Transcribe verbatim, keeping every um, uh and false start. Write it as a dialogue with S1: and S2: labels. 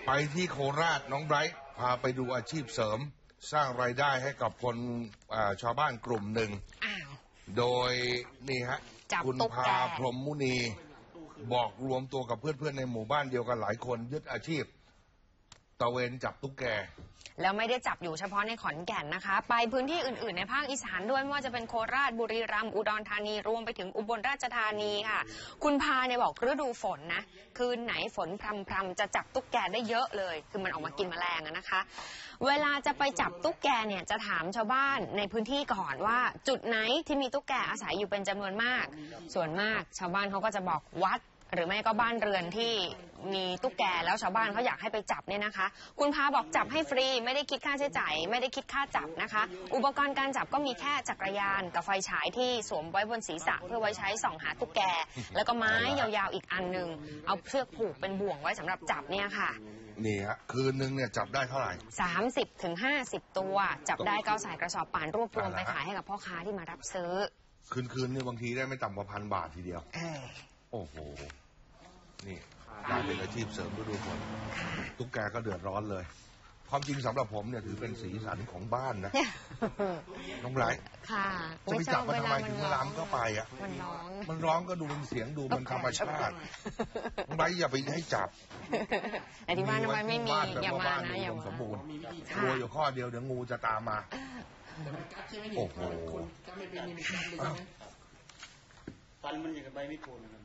S1: ไปที่โคราชน้องไบรท์พาไปดูอาชีพเสริมสร้างรายได้ให้กับคนชาวบ้านกลุ่มหนึ่งโดยนี่ฮะคุณพาพรหมมุนีบอกรวมตัวกับเพื่อนๆในหมู่บ้านเดียวกันหลายคนยึดอาชีพตะเวนจับตุ๊กแก
S2: แล้วไม่ได้จับอยู่เฉพาะในขอนแก่นนะคะไปพื้นที่อื่นๆในภาคอีสานด้วยไม่ว่าจะเป็นโคราชบุรีรัมย์อุดรธานีรวมไปถึงอุบลราชธานีค่ะคุณพาเนี่ยบอกฤดูฝนนะคืนไหนฝนพรำๆจะจับตุ๊กแกได้เยอะเลยคือมันออกมากินแมลงนะคะเวลาจะไปจับตุ๊กแกเนี่ยจะถามชาวบ้านในพื้นที่ก่อนว่าจุดไหนที่มีตุ๊กแกอาศัยอยู่เป็นจำนวนมากส่วนมากชาวบ้านเขาก็จะบอกวัดหรือไม่ก็บ้านเรือนที่มีตุ๊กแกแล้วชาวบ้านเขาอยากให้ไปจับเนี่ยนะคะคุณพาบอกจับให้ฟรีไม่ได้คิดค่าใช้จ่ายไม่ได้คิดค่าจับนะคะอุปกรณ์การจับก็มีแค่จักรยานกับไฟฉายที่สวมไว้บนศีรษะเพื่อไว้ใช้ส่องหาตุ๊กแกแล้วก็ไม้ยาวๆอีกอันหนึ่งเอาเชือกผูกเป็นบ่วงไว้สำหรับจับเนี่ยค่ะ
S1: นี่ฮะคืนนึงเนี่ยจับได้เท่าไหร่
S2: สามสิบถึงห้าสิบตัวจับได้ก็ใส่กระสอบป่านรวบรวมไปขายให้กับพ่อค้าที่มารับซื้อ
S1: คืนคืนนี่บางทีได้ไม่ต่ำกว่าพันบาททีเดียวโอ้โหนี่กลายเป็นอาชีพเสริมฤดูฝนตุ๊กแกก็เดือดร้อนเลยความจริงสำหรับผมเนี่ยถือเป็นสีสันของบ้านนะน้องไบรท์จะไปจับมันทำไมถึงล้ำก็ไปอ่ะมันร้องมันร้องก็ดูเป็นเสียงดูมันธรรมชาติน้องไบรท์อย่าไปให้จับ
S2: แต่ที่บ้านน้องไบรท์ไม่มีอย่ามานะอย่ามา
S1: สมบูรณ์กลัวอยู่ข้อเดียวเดี๋ยวงูจะตามมาโอ้โห
S3: ฟันมันอย่างกับใบไม่โกน